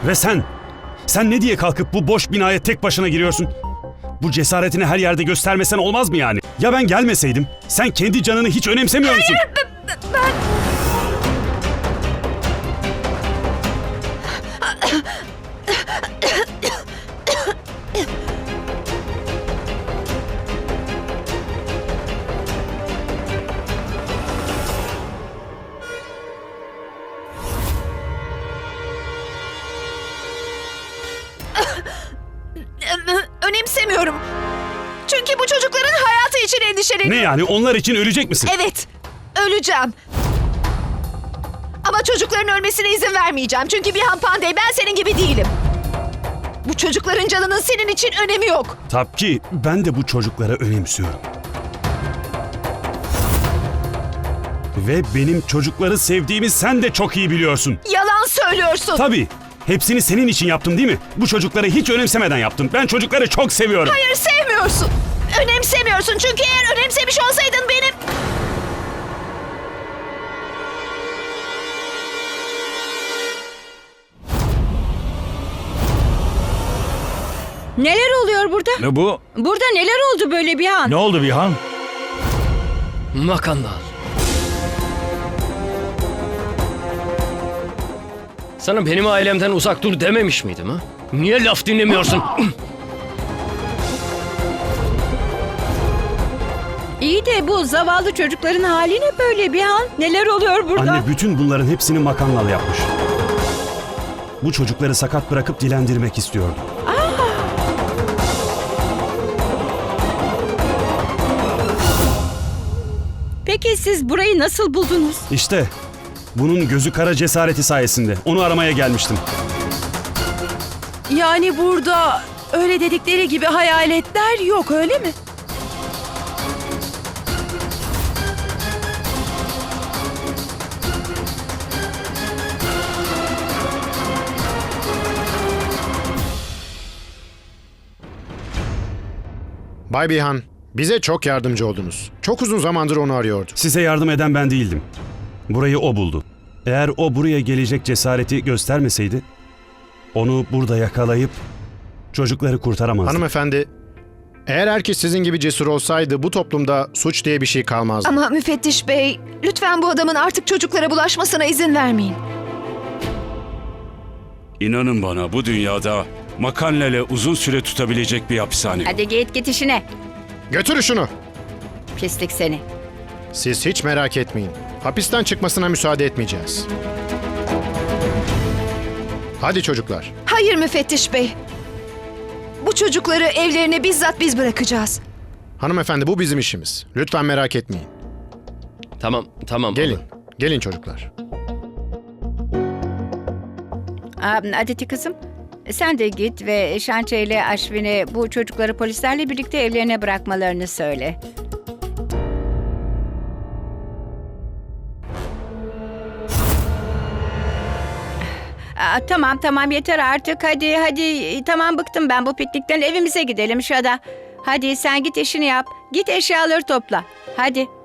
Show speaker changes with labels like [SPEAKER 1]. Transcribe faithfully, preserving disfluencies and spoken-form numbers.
[SPEAKER 1] Ve sen, sen ne diye kalkıp bu boş binaya tek başına giriyorsun? Bu cesaretini her yerde göstermesen olmaz mı yani? Ya ben gelmeseydim? Sen kendi canını hiç önemsemiyor musun?
[SPEAKER 2] Hayır, ben... ben... Önemsemiyorum. Çünkü bu çocukların hayatı için endişeleniyorum.
[SPEAKER 1] Ne yani? Onlar için ölecek misin?
[SPEAKER 2] Evet, öleceğim. Ama çocukların ölmesine izin vermeyeceğim. Çünkü Bihan Pandey, ben senin gibi değilim. Bu çocukların canının senin için önemi yok.
[SPEAKER 1] Tabii ki ben de bu çocuklara önemsiyorum. Ve benim çocukları sevdiğimi sen de çok iyi biliyorsun.
[SPEAKER 2] Yalan söylüyorsun.
[SPEAKER 1] Tabii. Hepsini senin için yaptım değil mi? Bu çocukları hiç önemsemeden yaptım. Ben çocukları çok seviyorum.
[SPEAKER 2] Hayır, sevmiyorsun. Önemsemiyorsun. Çünkü eğer önemsemiş olsaydın benim...
[SPEAKER 3] Neler oluyor burada?
[SPEAKER 4] Ne bu?
[SPEAKER 3] Burada neler oldu böyle bir an?
[SPEAKER 4] Ne oldu Bihan?
[SPEAKER 5] Makandal. Sana benim ailemden uzak dur dememiş miydim ha? Niye laf dinlemiyorsun?
[SPEAKER 3] İyi de bu zavallı çocukların hali ne böyle bir an? Neler oluyor burada?
[SPEAKER 1] Anne bütün bunların hepsini Makannal yapmış. Bu çocukları sakat bırakıp dilendirmek istiyordu.
[SPEAKER 3] Peki siz burayı nasıl buldunuz?
[SPEAKER 1] İşte bunun gözü kara cesareti sayesinde. Onu aramaya gelmiştim.
[SPEAKER 6] Yani burada öyle dedikleri gibi hayaletler yok, öyle mi?
[SPEAKER 7] Bay Bihan, bize çok yardımcı oldunuz. Çok uzun zamandır onu arıyorduk.
[SPEAKER 1] Size yardım eden ben değildim. Burayı o buldu. Eğer o buraya gelecek cesareti göstermeseydi, onu burada yakalayıp çocukları kurtaramazdı.
[SPEAKER 7] Hanımefendi, eğer herkes sizin gibi cesur olsaydı bu toplumda suç diye bir şey kalmazdı.
[SPEAKER 2] Ama müfettiş bey, lütfen bu adamın artık çocuklara bulaşmasına izin vermeyin.
[SPEAKER 8] İnanın bana, bu dünyada Makannal'e uzun süre tutabilecek bir hapishane yok.
[SPEAKER 3] Hadi git git işine.
[SPEAKER 7] Götürün şunu.
[SPEAKER 3] Pislik seni.
[SPEAKER 7] Siz hiç merak etmeyin. Hapisten çıkmasına müsaade etmeyeceğiz. Hadi çocuklar.
[SPEAKER 2] Hayır müfettiş bey. Bu çocukları evlerine bizzat biz bırakacağız.
[SPEAKER 7] Hanımefendi, bu bizim işimiz. Lütfen merak etmeyin.
[SPEAKER 5] Tamam, tamam.
[SPEAKER 7] Gelin. Gelin çocuklar.
[SPEAKER 3] Aa, Aditi kızım, sen de git ve Şançe ile Aşvin'e bu çocukları polislerle birlikte evlerine bırakmalarını söyle. Aa, tamam tamam yeter artık, hadi hadi, tamam bıktım ben bu piknikten, evimize gidelim Şada. Hadi sen git işini yap, git eşyaları topla, hadi.